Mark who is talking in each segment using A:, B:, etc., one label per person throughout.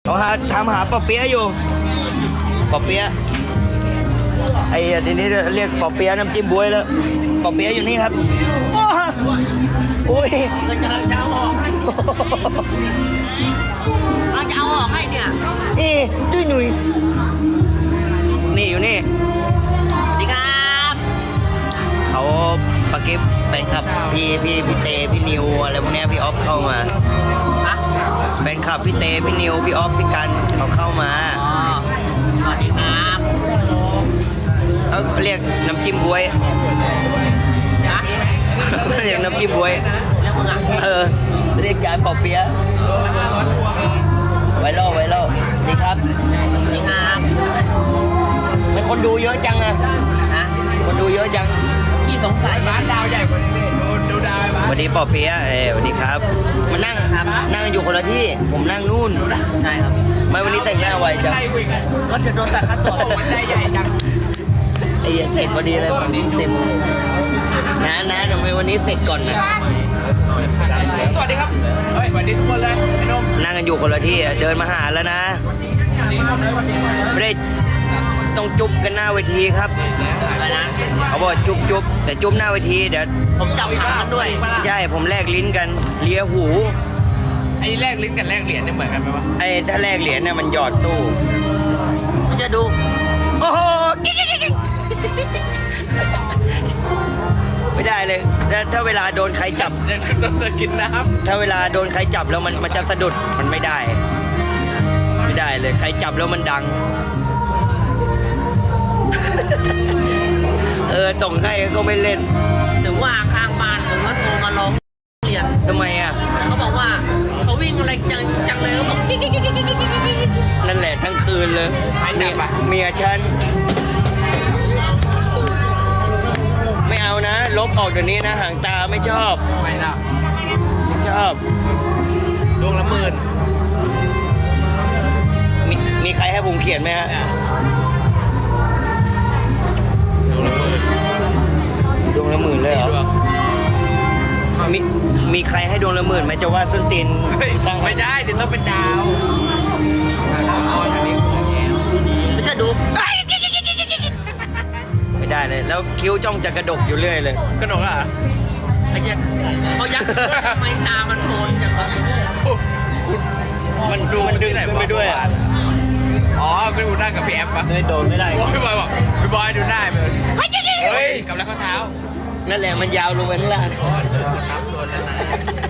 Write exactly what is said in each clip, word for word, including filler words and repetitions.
A: เขาหาถามหาปอเปี๊ยะอยู่ปอเปี๊ยะไอ้ทีนี้เรียกปอเปี๊ยะน้ำจิ้มบ๊วยแล้วปอเปี๊ยะอยู่นี่ครับโอ้ย
B: ก็จะจะเอาออกเราจะเอาออกให้เนี่ย
A: เอ๊ะจุ้ยหนุ่ยนี่อยู่นี่
B: สวัสดีครับ
A: เขาปากิฟแฟนคลับพี่พี่พี่เตพี่นิวอะไรพวกนี้พี่ออฟเข้ามา
B: ฮะ
A: แฟนคลับพี่เตพี่นิวพี่ออฟพี่กันเขาเข้ามา
B: อ๋อสวัสดีครับ
A: เขาเรียกน้ำจิ้มบ๊วย
B: นะ
A: เรียกน้ำจิ้มบ๊วย
B: เรื่องมึงอ่ะ
A: เออเรียกจานปอเปี๊ยะไวรัลไวรัลดีครับ
B: สวัสดีครับ
A: เป็นคนดูเยอะจังอะ
B: ฮะ
A: คนดูเยอะจัง
B: ขี้สงสัย
C: ร้านดาวใหญ่กว่านี้ดูดูดาวบ้า
A: สวัสดีปอเปี๊ยะเออสวัสดีครับมานั่งครับนั่งอยู่คนละที่ผมนั่งนู่น
B: ใช่ครับ
A: ไม่วันนี้แต่งหน้าไวจัง
C: ได้วิ่งอ่ะ
B: ก็จะโดนตัดค่าตัว
C: โอ้มันได้ใหญ่จัง
A: ไอ้เหี้ยเสร็จพอดีเลยฝั่งนี้เต็มนะนะทำไมวันนี้เสร็จก่อนนะ
C: สวัสดีครับเฮ้ยสวัสดีทุกคนเลยไอ้นม
A: นั่งกันอยู่คนละที่อะเดินมาหาแล้วนะ
C: สวัสดีครับเลยสวัสดีครับ
A: ไม่ได้ต้องจุ๊บกันหน้าเวทีครับ
B: อะไรนะ
A: เขาบอกจุ๊บจุ๊บแต่จุ๊บหน้าเวทีเดี๋ยว
B: ผมจับหางกันด้วย
A: ใช่ผมแลกลิ้นกันเลียหู
C: ไอ้แลกลิ้นกับแลกเหรียญเนี่ยเหมือนกันไหมวะ
A: ไอ้ถ้าแลกเหรียญเนี่ยมันหยอดตู้
B: ไม่จะดู
A: โอ้โหกิ๊กกิ๊กกิ๊กไม่ได้เลยถ้าถ้าเวลาโดนใครจับ
C: เดี๋ยวต้องจะกินน้
A: ถ้าเวลาโดนใครจับแล้วมันมันจะสะดุดมันไม่ได้ ไม่ได้เลยใครจับแล้วมันดัง เออส่งให้ก็ไม่เล่น
B: ถึงว่าข้างบ้านผมก็โทรมาร้องเรียน
A: ทำไมอ่ะ
B: เขาบอกว่าเขาวิ่งอะไรจังจังเลยเขาบอกกิ๊กกิ๊กกิ๊กกิ๊กกิ๊กกิ๊กกิ๊ก
A: นั่นแหละทั้งคืนเลยเมียเมียฉันไม่เอานะ ลบออกเดี๋ยวนี้นะหางตาไม่ชอบ
C: ำไม่ล่ะ
A: ไม่ชอบ
C: ดวงละหมื่น
A: มีมีใครให้ผมเขียนไหมฮะ
C: ดวงละหมื่น
A: ดวงละหมื่นเลยเหรอ
C: ดวง
A: มีมีใครให้ดวงละหมื่นไหมจะว่าส้นตีน
C: เฮ้ย
A: ตั้ง
C: ไม่ได้เดี๋ยวต้องเป็นดาวดาวอ่อนอันนี้ของแก
B: ไม่จะดู
A: ไม่ได้เลย แล้วคิ้วจ้องจะกระดกอยู่เรื่อยเลย
C: กระหนกอ่ะ
B: ไอ้เจ๊เขายักษ์ทำไมตามันโผล่อย่างนั้น
A: มันดูมันดึงขึ้นไปด้วยอะ
C: อ๋อไปดูหน้ากับพี่แอฟปะ
A: เลยโดนไม่ได้
C: โอ้ยพี่บอยบอกพี่บอยดูหน้าไปเลยเฮ้ยกับแล้วข้อเท้า
A: นั่นแหละมันยาวลงไปข้างล่าง
C: อ๋อโดนน้ำโดนแล้วนะ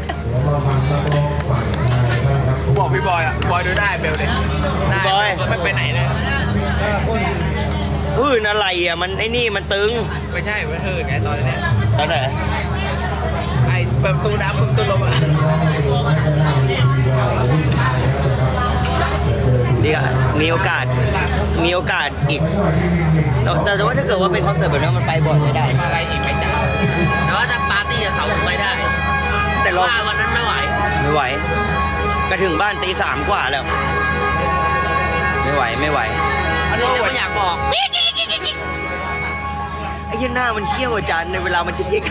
C: กูบอกพี่บอยอ่ะบอยดูหน้าเบลเลยหน้าก็ไม่ไปไหนเลย
A: พื้นอะไรอ่ะมันไอ้นี่มันตึง
C: ไม่ใช่ไม่เถิดไงตอนนี้
A: ตอนไหน
C: ไอ้เปิดประตูน้ำเปิดประตูลมอ่ะ
A: ดีอ่ะมีโอกาสมีโอกาสอีกแต่แต่ว่าถ้าเกิดว่าเป็นคอนเสิร์ตแบบนี้มันไปบ่อยไม่ได้
C: อะไรอีกไม่จ้า
B: แต่ว่าจะปาร์ตี้กับเขาไม่ได้
A: แต่เรา
B: ว่าวันนั้นไม่ไหว
A: ไม่ไหวก็ถึงบ้านตีสามกว่าแล้ว ไม่ไหวไม่ไหว
B: อันนี้ไม่อยากบอก
A: ไอ้ยี่หน้ามันเขี้ยวอาจารย์ในเวลามันจะยิก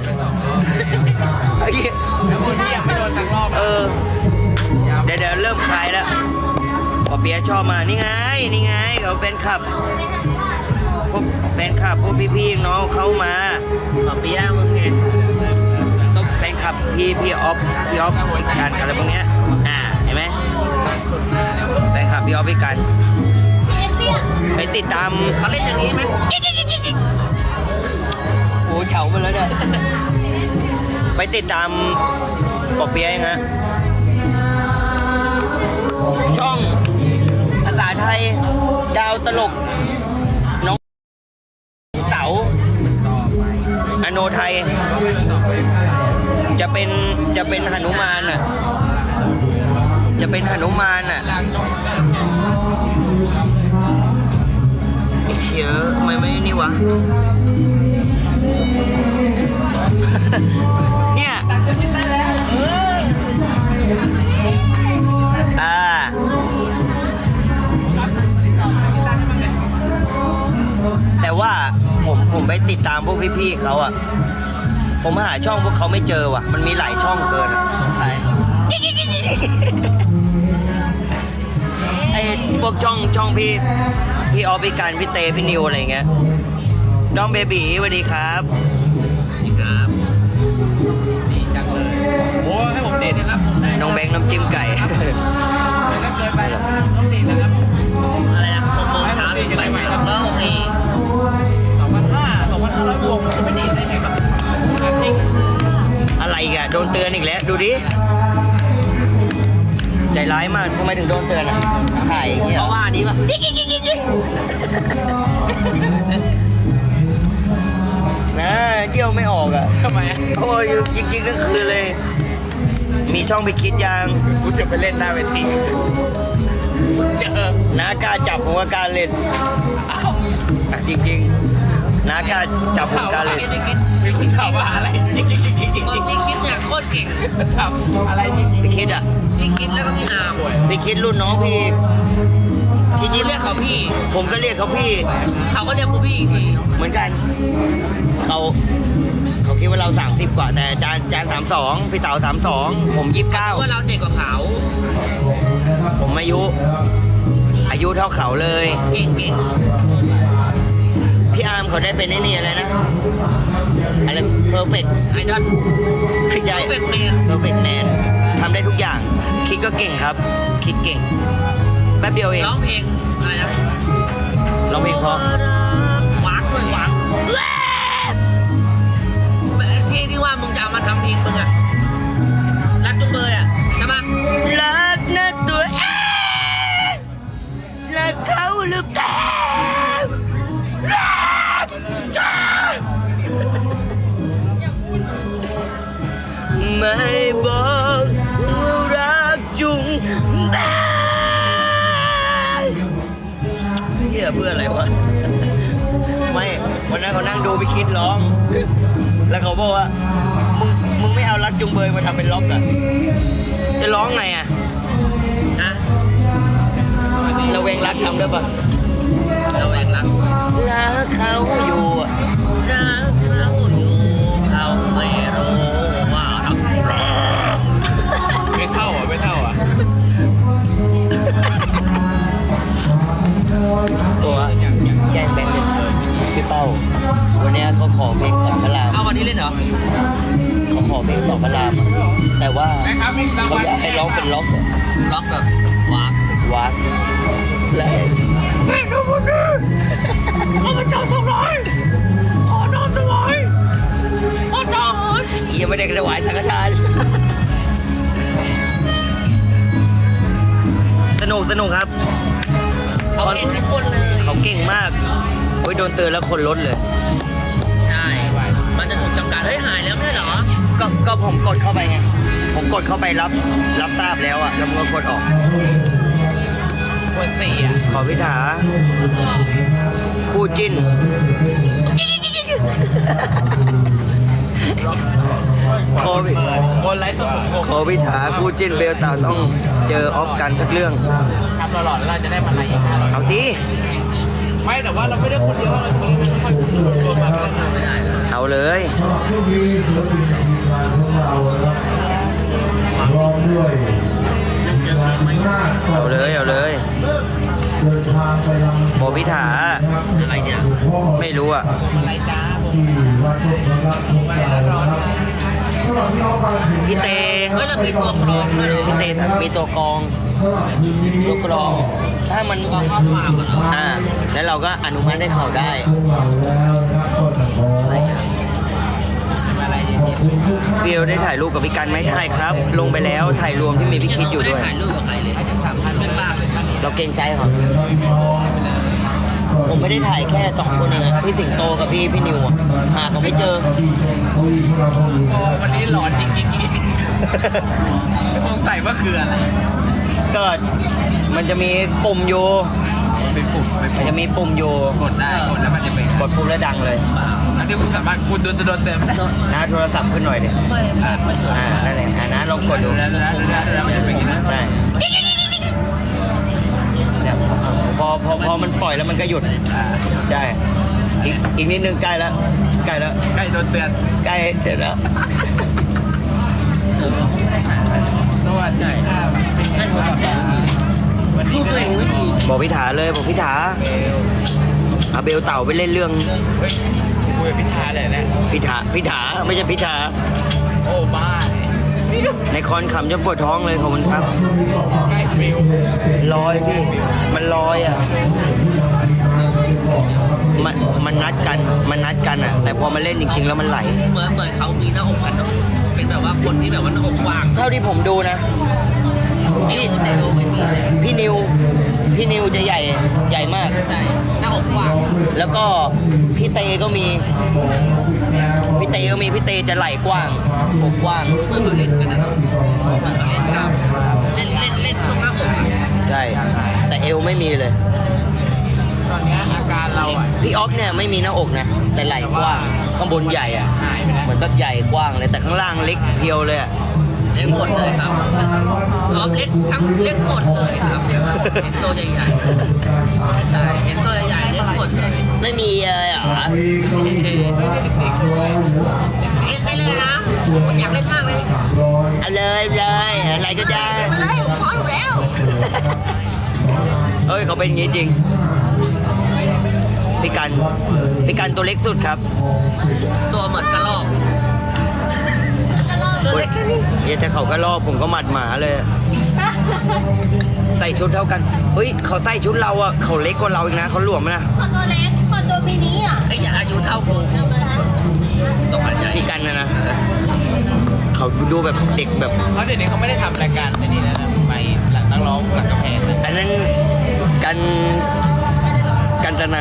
A: ไอ้ยี่
C: แล้วคนที่ยังไม่โดนสักรอบ
A: เออเดี๋ยวเดี๋ยวเริ่มคลายแล้วปอเปียะชอบมานี่ไงนี่ไงเขาแฟนคลับพวกแฟนคลับพวกพี่ๆน้องเข้ามา
B: ขอเปียมึงไง
A: ก็แฟนคลับพี่พี่ออฟพี่ออฟกันอะไรพวกเนี้ยอ่าเห็นไหมแฟนคลับพี่ออฟพี่กันไปติดตาม
B: เขาเล่นอย่างนี้ไหม
A: โอ้เฉาไปแล้วเนี่ยไปติดตามปอเปียะยังฮะช่องภาษาไทยดาวตลกน้องเต๋าอโนไทยจะเป็นจะเป็นหนุมานอ่ะจะเป็นหนุมานอ่ะเยอะไม่ไม่นี่วะ เนี่ยอ่าแต่ว่าผมผมไปติดตามพวกพี่ๆเขาอ่ะผมหาช่องพวกเขาไม่เจอว่ะมันมีหลายช่องเกินอะ
B: ใช่
A: พวกช่องช่องพี่พี่ออฟพี่การพี่เตพี่นิวอะไรเงี้ยน้องเบบีสวัสดีครับ
B: ครับดีจังเลย
C: โอ้ให้ผมดีนะครับผมได้
A: น้องแบงค์น้ำจิ้มไก่
C: แล้วเกินไปต้องดีนะครับ
B: อะไรนะหกโมงเช้าถึงบ่ายสามก็โอเค
C: สองพันห้าสองพันห้าร้อยบวกจะไม่ดีได้ไงครับจริง
A: อะไรอีกอะโดนเตือนอีกแล้วดูดิใจร้ายมากทำไมถึงโดนเตือนอะถ่ายอย่างเงี้ย
B: เพราะว่าอันนี้ป่ะ
A: นะเยี่ยวไม่ออกอะ
C: ทำไมอ่ะ
A: โอ้ยจริงๆก็คือเลย มีช่องไปคิดยัง
C: กูจะไปเล่นหน้าเวทีเจอ
A: น้ากล้าจับผมก็กล้าเล่น
C: เอ้า
A: อ่ะจริงๆน้ากล้าจับผมกล้าเล่น
B: คิดไม่คิด
C: ไม่คิดถามว่าอะไรจริงจริงจริงจริงจริง
B: พี่คิดเนี่ยโคตรเก่ง
C: ถามอะไรจริงจริง
A: ไปคิดอะ
B: พี่คิดแล้วก็พี่อาร์ม
A: ไปคิดรุ่นน้องพี่พี่
B: พี่
A: ยิ้ม
B: เรียกเขาพี่
A: ผมก็เรียกเขาพี่
B: เขาก็เรียกพวกพี่อีกที
A: เหมือนกัน เขาเขาคิดว่าเราสามสิบกว่าแต่จานจานสามสองพี่เต๋าสามสองผมยี่สิบเก้า
B: ว่าเราเด็กกว่าเขา
A: ผมอายุ อายุเท่าเขาเลย
B: เก่งเก่ง
A: พี่อาร์มเขาได้เป็นไอ้นี่อะไรนะ อะไรเพอร์เฟกต์
B: ไอดอล
A: คือใจ
B: Perfect Man
A: เพอร์เฟกต์แมนทำได้ทุกอย่าง คิดก็เก่งครับ คิดเก่ง แป๊บเดียวเอง
B: ร้องเพลงอะไรนะ
A: ร้องเพลงเพราะ
B: หวานด้วยหวานที่ที่ว่ามึงจะเอามาทำเพลงมึงอะรักจุงเบยอะใช่ปะ
A: รักนะตัวเองรักเขาหรือเปล่ารักจ้าไม่บอกว่ารักจุงเบยเฮียเพื่ออะไรวะ ไม่วันนั้นเขานั่งดูไปคิดร้อง แล้วเขาบอกว่า มึง มึงไม่เอารักจุงเบยมาทำเป็นล็อกอะจะร้องไงอะ
B: ฮะ
A: เราเวงรักทำได้ปะ
B: เราแอบรัก
A: รักเขาอยู่อะ
B: รักเขาอยู่เขาไม่รู้ว่าทำ
C: ไม่เท่าอ่ะไม่เท่าอ่ะ
A: ตัวแกล้งแบงค์เลยพี่เป้า วันเนี้ยเขาขอเพลงสองพระราม
B: เอาวันนี้เล่นเหรอ
A: เขาขอเพลงสองพระรามอะแต่ว่า
C: แม่ครับมีราง
A: เขา
C: วัล
A: อยากให้ร้องเป็นล็อกอะ
B: ล็อกแบบวาก
A: วักและแม่ทุกคนนี้ข้าพเจ้าทั้งหลายขอน้อมถวายพระทหารยังไม่ได้ถวายสังฆทานสนุกสนุกครับ
B: เขาเก่งทุกคนเลย
A: เขาเก่งมากโอ้ยโดนเตือนแล้วคนลดเลย
B: ใช่ มันจะถูกจำกัดเฮ้ยหายแล้วไม่ใช่เหรอ
A: ก็ก็ผมกดเข้าไปไง ผมกดเข้าไปรับรับทราบแล้วอะแล้วมันก็กดออก
C: ปวดสี่อ่ะ
A: ขอพิธาคู่จิ้น ขอพิ
C: คนไร้สมอง
A: ขอพิธาคู่จิ้นเบลตาต้องเจอออฟกันสักเรื่อง
C: ทำตลอดแล้วเราจะได้มาอะไรอีกห้าร้อย
A: เอาที
C: ไม่แต่ว่าเราไม่ได้คนเดียวเราคนนี้ไม่ต้องรวมมาไม่ได้
A: เอาเลย
B: นึกเยอะไหม
A: เอาเลย เอาเลยโบพิธา
B: อะไรเนี่ย
A: ไม่รู้อะ
C: อะไรจ้าผม
A: พี่เต
B: เฮ้ยเรามีตัวกรองด้วยเหรอ
A: พี่เตมีตัวกรอง ตัวกรอง ถ้ามัน
B: กรองข้อความเหรอ
A: อ่า แล้วเราก็อนุมัติให้เขาได้
B: อะไรอ่ะอะไรเนี่ย
A: เบลได้ถ่ายรูปกับพี่กันไหมถ่ายครับ ลงไปแล้วถ่ายรวมที่มีพี่คิดอยู่ด้วย
B: ไม่ไถ่ายรูปกับใครเลยสามพันเป็นบ้าเป็นบ้า
A: เราเกรงใจเขาผมไม่ได้ถ่ายแค่สองคนเองอะพี่สิงโตกับพี่พี่นิวอะหาเขาไม่เจอ
C: วันนี้หลอนจริงจริงไม่ต้องใส่ว่าคืออะไร
A: เกิดมันจะมีปุ่มอยู่
C: เป็นปุ่มเป็น
A: มันจะมีปุ่มอยู่
C: กดได้กดแล้วมันจะเป็น
A: กดปุ่มแล้วดังเลย
C: อันนี้คุณสามารถคุณโดนจะโดนเต็มได้
A: หน้าโทรศัพท์ขึ้นหน่อยดิ
B: ไม่ไม่ไม่เกิด
A: อ่า นั่นแหละอ่านะลองกดดู
C: แล้วแล้วแล้วแล้วมันจะเป็นอย่างนั้น
A: ใช่เนี่ยพอพอพอมันปล่อยแล้วมันก็หยุด ใช่ อีกอีกนิดนึงใกล้แล้ว ใกล้แล้ว
C: ใกล้โดนเตือน
A: ใกล้เสร็จแล้ว
C: ระหว่างจ่ายค่าเป็น
B: ให้โทรศัพท์แบบนี้
C: วัน
B: ลู
C: นี้
B: กตัวเองไม่มี
A: บอกพิธาเลยบอกพิธา
C: เบล
A: เอาเบลเต่าไปเล่นเรื่อง
C: เฮ้ยคุยกับพิธาเลยนะ
A: พิธาพิธาไม่ใช่พิธา
C: โอ้บ้า
A: ในคอนขำจนปวดท้องเลยขอบคุณครับ
C: ใกล้เบล
A: ลอยพี่มันลอยอ่ะมันมันนัดกันมันนัดกันอ่ะ แต่พอมาเล่นจริง ๆ แล้วมันไหล
B: เหมือนเหมือนเขามีหน้าอกกันเนาะเป็นแบบว่าคนที่แบบว่าหน้าอกกว้าง
A: เท่าที่ผมดูนะ
B: เอวแต่ดูไม่มีเลย
A: พี่นิวพี่นิวจะใหญ่ใหญ่มาก
B: ใช่หน้าอกกว้าง
A: แล้วก็พี่เตก็มี พี่เตก็มีพี่เตจะไหล่กว้างอกกว้าง
B: เหมือนเขาเล่นกันนะเนาะเหมือนเขาเล่นกล้ามเล่นเล่นเล่นช่วงหน้าอกอะ
A: ใช่ แต่เอวไม่มีเลย
C: ตอนเนี้ยอาการเราอ่ะ
A: พี่ออฟเนี่ยไม่มีหน้าอกนะ แต่ไหล่กว้าง ข้างบนใหญ่อะ
C: หายไปแล้ว
A: เหมือนแบบใหญ่กว้างเลย แต่ข้างล่างเล็กเพียวเลยอะ
B: เล็กหมดเลยครับท็อปเล็กทั้งเล็กหมดเลยครับเห็นตัวใหญ่ๆใช่เห็นตัวใหญ่ๆเล็กหมดเลย
A: ไม่มีเลยเหรอ
B: เล่นได้เลยนะผมอยากเล่นมากเลย
A: เอาเลยเลยอะไรก็ได้
B: มาเลยผมพร้อมอยู่แล้ว
A: เอ้ยเขาเป็นอย่างงี้จริง พี่กัน พี่กันตัวเล็กสุดครับ
B: ตัวเหมือนกระรอกตัวเล็กแค่นี้
A: เดี๋ยวแต่เขาก็รอบผมก็หมัดหมาเลย ใส่ชุดเท่ากัน เฮ้ยเขาใส่ชุดเราอะเขาเล็กกว่าเราอีกนะเขาหลวมนะ
D: ขอตัวเล็กขอตัวมินิอ่ะ
B: ไอ้ยาอายุเท่ากู
D: เอามาละ
B: ต้องหันใจ
A: พี่กันนะนะ เขาดูแบบเด็กแบบ
C: เขาเดี๋ยวนี้เขาไม่ได้ทำรายการไอ้นี่แล้วนะไปหลังนักร้องหลังกำแพงนะ
A: อันนั้นกันกันจนา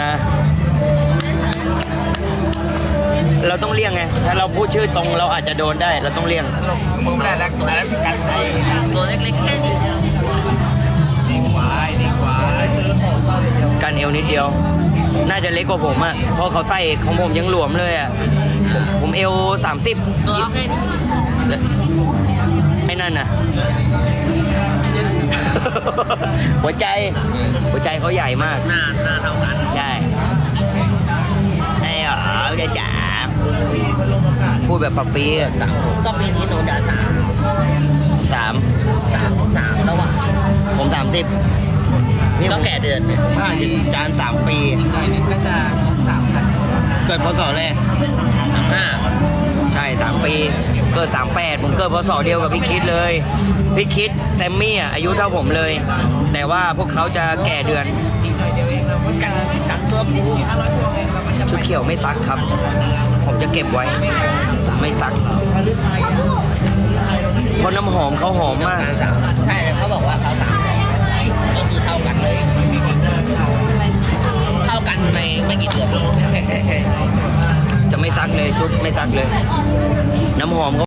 A: เราต้องเลี่ยงไง ถ้าเราพูดชื่อตรงเราอาจจะโดนได้ เราต้องเลี่ยง
C: มึงไม่ได้แล้วอันนั้นกันไทย
B: ตัวเล็กๆแค่นี้
C: ดีกว่าดีกว่า
A: กันเอวนิดเดียว น่าจะเล็กกว่าผมอะเพราะเขาใส่ของผมยังหลวมเลยอะผมผมเอวสามสิบ
B: ตัวแค่นี้
A: ไอ้นั่นน่ะ หัวใจ หัวใจเขาใหญ่มาก
B: หน้าหน้าเท่ากัน
A: ใช่ไอ้เหรอจะจ๋าพูดแบบปับปีอะ
B: สามก็ปีนี้หนูจะสาม
A: สาม
B: สามสิบสามแล้วอ่ะ
A: ผมสามสิบนี่
B: ก็แก่เดือนเนี่ย
A: ห้าจะจานสามปี
C: หน่อยนึงก็จะสามพัน
A: เกิดพศอะไร
B: สามห้า
A: ใช่สามปี เกิดสามแปดผมเกิดพศเดียวกับพี่คิดเลย พี่คิดแซมมี่อ่ะอายุเท่าผมเลย แต่ว่าพวกเขาจะแก่เดือน
C: อีกหน่อยเดียวเองเราก็กันกันตัวผู้ห้าร้อยพวงเองเราก็จะ
A: ชุดเขียวไม่ซักครับ ผมจะเก็บไว้ไม่ซัก เพราะน้ำหอมเขาหอมมาก
B: สามใช่เขาบอกว่าเขาสามก็คือเท่ากันเลยเท่ากันในไม่กี่เดือน
A: จะไม่ซักเลยชุดไม่ซักเลย น้ำหอมเขา